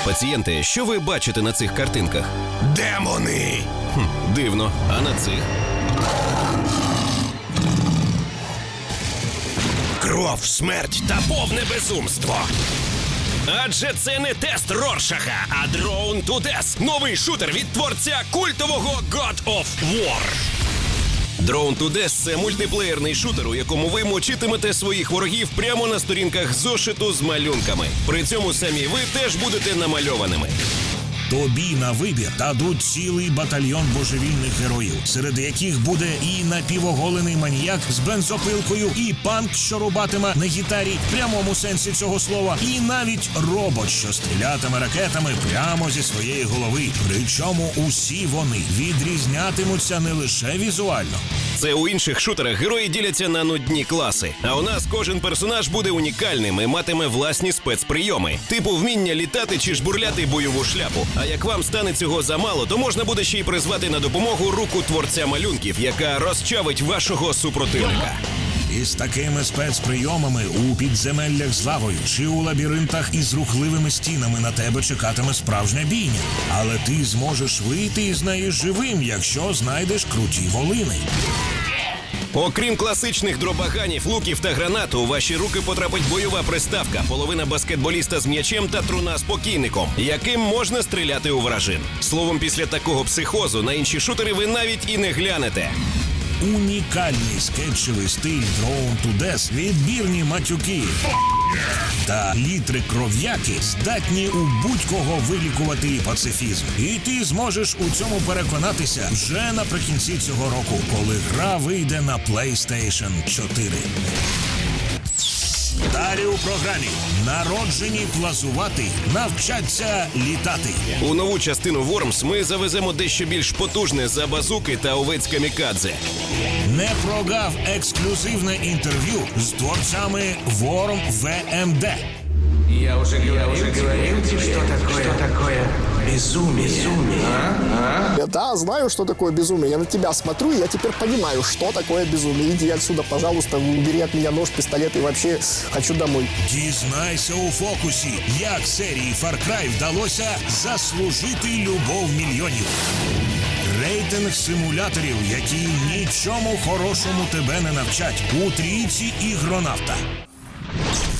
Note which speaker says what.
Speaker 1: Пацієнти, що ви бачите на цих картинках?
Speaker 2: Демони!
Speaker 1: Дивно. А на цих?
Speaker 2: Кров, смерть та повне безумство.
Speaker 1: Адже це не тест Роршаха, а Drone to Death. Новий шутер від творця культового God of War. Drone to Death – це мультиплеєрний шутер, у якому ви мочитимете своїх ворогів прямо на сторінках зошиту з малюнками. При цьому самі ви теж будете намальованими.
Speaker 3: Тобі на вибір дадуть цілий батальйон божевільних героїв, серед яких буде і напівоголений маніяк з бензопилкою, і панк, що рубатиме на гітарі в прямому сенсі цього слова, і навіть робот, що стрілятиме ракетами прямо зі своєї голови. Причому усі вони відрізнятимуться не лише візуально.
Speaker 1: Це у інших шутерах герої діляться на нудні класи. А у нас кожен персонаж буде унікальним і матиме власні спецприйоми. Типу вміння літати чи жбурляти бойову шляпу. А як вам стане цього замало, то можна буде ще й призвати на допомогу руку творця малюнків, яка розчавить вашого супротивника.
Speaker 3: Із такими спецприйомами у підземеллях з лавою чи у лабіринтах із рухливими стінами на тебе чекатиме справжня бійня. Але ти зможеш вийти із неї живим, якщо знайдеш круті волини.
Speaker 1: Окрім класичних дробаганів, луків та гранат, у ваші руки потрапить бойова приставка, половина баскетболіста з м'ячем та труна з покійником, яким можна стріляти у вражин. Словом, після такого психозу на інші шутери ви навіть і не глянете.
Speaker 3: Унікальний скетчевий стиль Drone to Death, відбірні матюки та літри кров'яки здатні у будь-кого вилікувати пацифізм. І ти зможеш у цьому переконатися вже наприкінці цього року, коли гра вийде на PlayStation 4. Далі у програмі народжені плазувати, навчаться літати.
Speaker 1: У нову частину Worms ми завеземо дещо більш потужне за базуки та овець камікадзе.
Speaker 3: Не прогав ексклюзивне інтерв'ю з творцями Worm VMD.
Speaker 4: Я уже говорил тебе, что такое безумие.
Speaker 5: Я, да, знаю, что такое безумие. Я на тебя смотрю, и я теперь понимаю, что такое безумие. Иди отсюда, пожалуйста, убери от меня нож, пистолет, и вообще хочу домой.
Speaker 3: Дізнайся у фокусі, як серії Far Cry вдалося заслужити любов мільйонів. Рейтинг симуляторів, які нічому хорошому тебе не навчать. У трійці ігронавта.